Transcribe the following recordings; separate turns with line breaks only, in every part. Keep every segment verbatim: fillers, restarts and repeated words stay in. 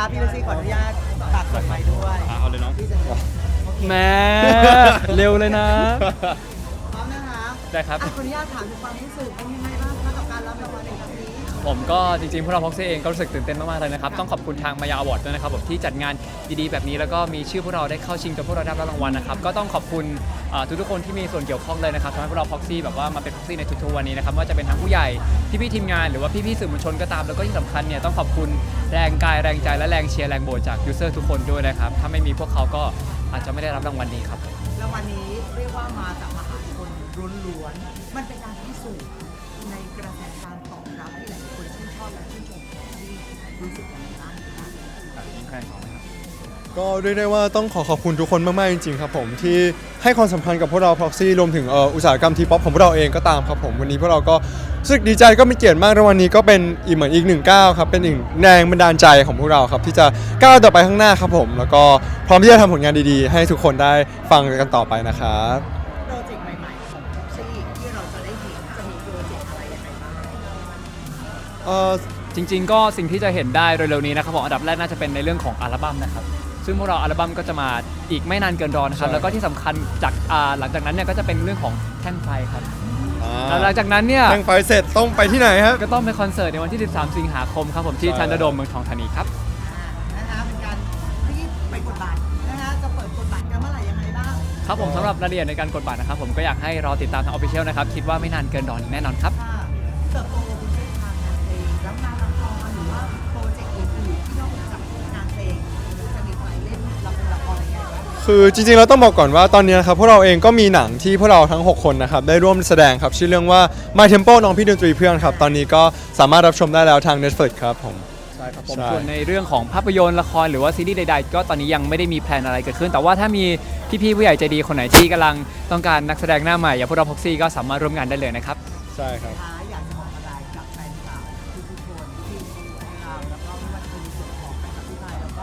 ครับพี่ลูซี่ขออนุญาตฝากกดไมค์ด้วย
อ่ะเอาเลยน้อง
ที่จะโอเค
แหม่ เร็วเลยนะ
พร้อมนะคะ
ได้ครับ
อ่ะขออนุญาตถามถึงความรู้สึกเป็นยังไงบ้างคะกับการรับรางวัลในครั้งนี้
ผมก็จริงๆพวกเราพ็อกซี่เองก็รู้สึกตื่นเต้นมากๆเลยนะครับต้องขอบคุณทางมายาอวอร์ดด้วยนะครับผมที่จัดงานดีๆแบบนี้แล้วก็มีชื่อพวกเราได้เข้าชิงจนพวกเราได้รับรางวัลนะครับก็ต้องขอบคุณอ่าทุกๆคนที่มีส่วนเกี่ยวข้องเลยนะครับทำให้พวกเราพ็อกซี่แบบว่ามาเป็นพ็อกซี่ในทุกๆวันนี้นะครับไม่ว่าจะเป็นทั้งผู้ใหญ่พี่ๆทีมงานหรือว่าพี่ๆสื่อมวลชนก็ตามแล้วก็ที่สำคัญเนี่ยต้องขอบคุณแรงกายแรงใจและแรงเชียร์แรงโหวตจากยูเซอร์ทุกคนด้วยนะครับถ้าไม่มีพวกเขาก็อาจจะไม่ได้รับรางวัลนี้ครับ
รางวัลนี้เรียกว่ามาจากมหาชนล้วนๆมันเป็นการพิสูจน์ในกระแสการตอบรับที่หลายคนชื่นชอบและชื่นชมที่รู้สึกอย่างไรบ้างคะ
ก็เรียกได้ว่าต้องขอขอบคุณทุกคนมากๆจริงๆครับผมที่ให้ความสำคัญกับพวกเรา Proxy รวมถึงเอ่ออุตสาหกรรมทีป๊อปของพวกเราเองก็ตามครับผมวันนี้พวกเราก็รู้สึกดีใจก็มีเกียรติมากรางวัลนี้ก็เป็นอีกเหมือนอีกหนึ่งก้าวครับเป็นอีกแรงบันดาลใจของพวกเราครับที่จะก้าวต่อไปข้างหน้าครับผมแล้วก็พร้อมที่จะทำผลงานดีๆ ให้ทุกคนได้ฟังกันต่อไปนะครับ
โปรเจกต์ใหม่ๆของ Proxy ที่เราจะได้เห็นจะมีโปรเจกต์อะไรยังไงบ้าง
เอ่อ
จริงๆก็สิ่งที่จะเห็นได้เร็วๆนี้นะครับผมอันดับแรกน่าจะเป็นในเรื่องของอัลบั้มนะครับซึ่งพวกเราอัลบั้มก็จะมาอีกไม่นานเกินรอนะครับ
ใช่
แล้วก็ที่สำคัญจากอ่าหลังจากนั้นเนี่ยก็จะเป็นเรื่องของแท่งไฟครับ
อ่า
แล้วหลังจากนั้นเนี่ย
แข่งไฟเสร็จต้องไปที่ไหนครับ
ก็ต้องไปคอนเสิร์ตในวันที่ สิบสาม สิงหาคมครับผมที่
ใช่
ทันเดอร์โดมเมืองทองธานีครับ
อ่านะคะเป็นการที่ไปกดบัตรนะคะจะเปิดกดบัตรกันเมื่อไหร่ยังไงบ้าง
ครับผมสำหรับรายละเอียดในการกดบัตรนะครับผมก็อยากให้รอติดตามทางออฟฟิเชียลนะครับคิดว่าไม่นานเกินรอแน่นอนครับ
ค่ะเติบโตบนเส้นทางงานเพลงแล้วงานละครหรือว่าโปรเจกต์อื่นๆที่นอกจากงานเพลงจะมีใครเล่นละครละครอะไรอย่างเงี้ย
คือจริงๆเราต้องบอกก่อนว่าตอนนี้นะครับพวกเราเองก็มีหนังที่พวกเราทั้งหกคนนะครับได้ร่วมแสดงครับชื่อเรื่องว่า My Tempo น้องพี่ดนตรีเพื่อนครับตอนนี้ก็สามารถรับชมได้แล้วทาง Netflix ครับผม
ใช่ครับผม
ใช่
ส่วนในเรื่องของภาพยนตร์ละครหรือว่าซีรีส์ใดๆ ก็ตอนนี้ยังไม่ได้มีแพลนอะไรเกิดขึ้น แต่ว่าถ้ามีพี่ๆผู้ใหญ่ใจดีคนไหนที่กำลังต้องการนักแสดงหน้าใหม่อย่างพวกเราพ็อกซี่ก็สามารถร่วมงานได้เลยนะครับ
ใช่ครับ
ท้ายอยากจะบอกอะไรกับแฟนคลับทุกๆคนที่ให้เราแล้วก็ไม่ว่าจะเป็นในส่วนของแฟนคลับที่ไทยแล้วก็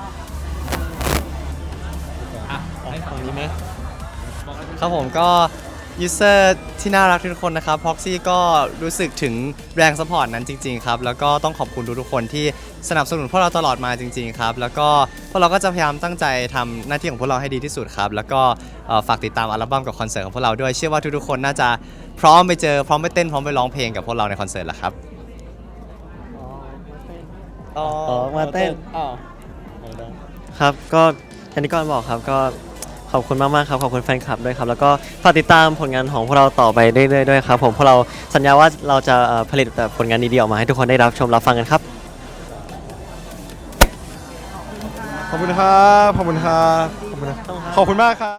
อ่ะ
ฝั่งนี้ไหม
ครับผมก็ยูเซอร์ที่น่ารักทุกคนนะครับ Proxy ก็รู้สึกถึงแรงสปอร์ตนั้นจริงๆครับแล้วก็ต้องขอบคุณทุกๆคนที่สนับสนุนพวกเราตลอดมาจริงๆครับแล้วก็พวกเราก็จะพยายามตั้งใจทำหน้าที่ของพวกเราให้ดีที่สุดครับแล้วก็เอ่อฝากติดตามอัลบั้มกับคอนเสิร์ตของพวกเราด้วยเชื่อว่าทุกๆคนน่าจะพร้อมไปเจอพร้อมไปเต้นพร้อมไปร้องเพลงกับพวกเราในคอนเสิร์ตแล้วครับอ๋อ
ออกมาเต้น
อ้าว
ครับก็อย่างที่ก่อนบอกครับก็ขอบคุณมากๆครับขอบคุณแฟนคลับด้วยครับแล้วก็ฝากติดตามผลงานของพวกเราต่อไปเรื่อยๆด้วยครับผมพวกเราสัญญาว่าเราจะเอ่อผลิตแต่ผลงานดีๆออกมาให้ทุกคนได้รับชมรับฟังกันครับ
ขอบคุณครับขอบคุณครับขอบคุณนะขอบคุณมากครับ